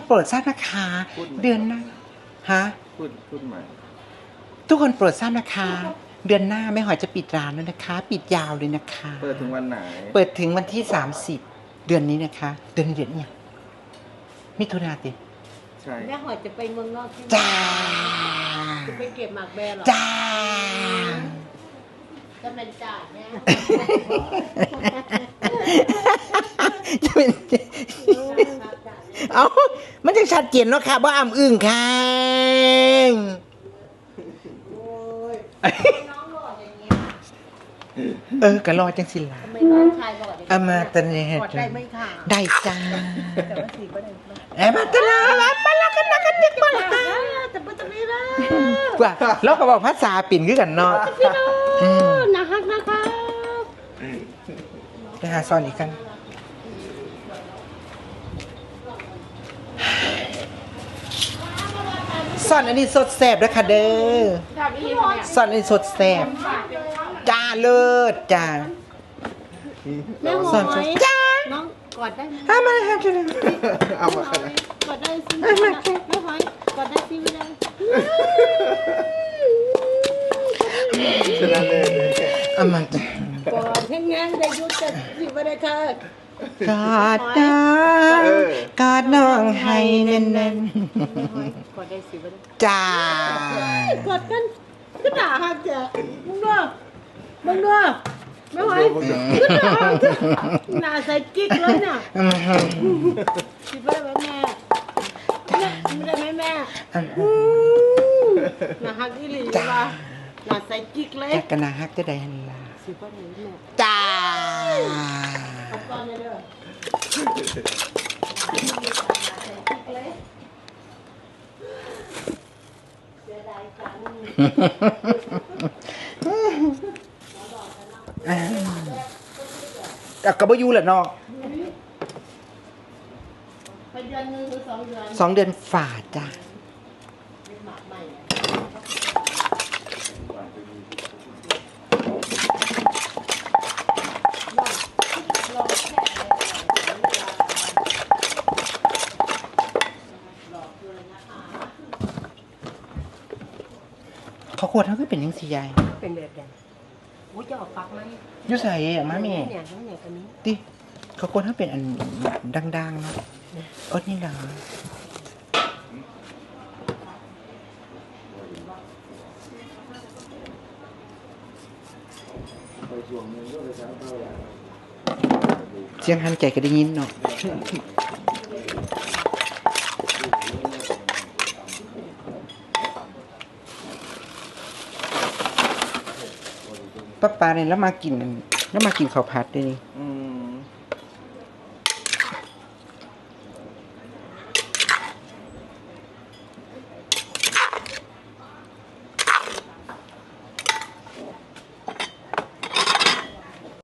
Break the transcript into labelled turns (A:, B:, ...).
A: โปรดทราบนะคะเดือนหน้าฮะ
B: พูดใหม่
A: ทุกคนโปรดทราบนะคะเดือนหน้าแม่หอยจะปิดร้านแล้วนะคะปิดยาวเลยนะคะ
B: เปิดถึงวันไหน
A: เปิดถึงวันที่30เดือนนี้นะคะเดือนเนี่ยมิถุนาติ
B: ใช่
C: แม่หอยจะไปเมืองนอกใช่ไหม
A: จ้า
C: จะไปเก็บหมากแบร์หรอ
A: จ้า
C: จะเป็นจ่ายแม่
A: จะเป็นเอามันจะชัดเจนเนาะค่ะว่าอ้ำอึ้งค่ะ
C: น้องหล่ออย่างเงี้ย
A: ก็รอจังสิล่ะ
C: ทำไมน้องชายหล่ออย่างเงี้ย
A: อามาตะเนห
C: กอดได้ไหมค่ะ
A: ได้จ้า
C: แต่ว่าสีก็ได้
A: มาตะลามาละกันนะกันดิมาละ
C: แต่ไม่ต้องไม่ได้
A: ว่าแล้วก็บอกภาษาปิ่นคือกันเนาะ
C: พี่น้องนะฮักนะคะ
A: ไปหาซอนอีกกันซอนอันนี้สดแซ่บด้วยค่ะเด้อซอนอันนี้สดแซ่บจ้าเลิศจ้า
C: แม่หอยจ้าน้องกอดได้ไหม
A: มาค่ะจ้า
B: เอามาขนาด
C: กอดได้สิแม่หอยกอดได้สิไม่ได้
B: ชนะเลย
A: เอามาก
C: อดแห้งๆได้ยุติสิไม่ได้ค่ะ
A: กอดน้องกอดน้องให้แน่นๆ
C: กอดได้สิไม่ได้
A: จ้าก
C: อดกันก็ด่าฮักจ้ะมึงด้วยไม่หอยก็ด่าหน้าใส่กิ๊กเลยน่ะสิไม่ได้ไหมแม่ไม่ได้ไหมแม่หน้าฮักอีหลีจ้าหน้าใส่กิ๊กเลย
A: จักกันนะฮักจะได้ฮันลา
C: สิไม่ได้แม่
A: จ้า
C: เอาก่อนเลยเด้อ
A: แต่ก็บ่อยู่แหละเนาะ
C: ไปเดือนนึงหรือ2 เดือน
A: 2 เดือนฝ่าจ้าเขาขวดเขาก็เป็นยังสีใหญ่
C: เป็นแบบใดอุ้ยจะออกปักไหม
A: ยุ่ใส่อะมามี
C: เนี่ยน้องเนี่ยตัวนี้
A: ดิเขาขวดเขาเป็นอันดังๆนะอดนี่เหรอเสียงหันใจก็ได้ยินเนาะป้าเนี่ยแล้วมากินข้าวผัดด้วยนี่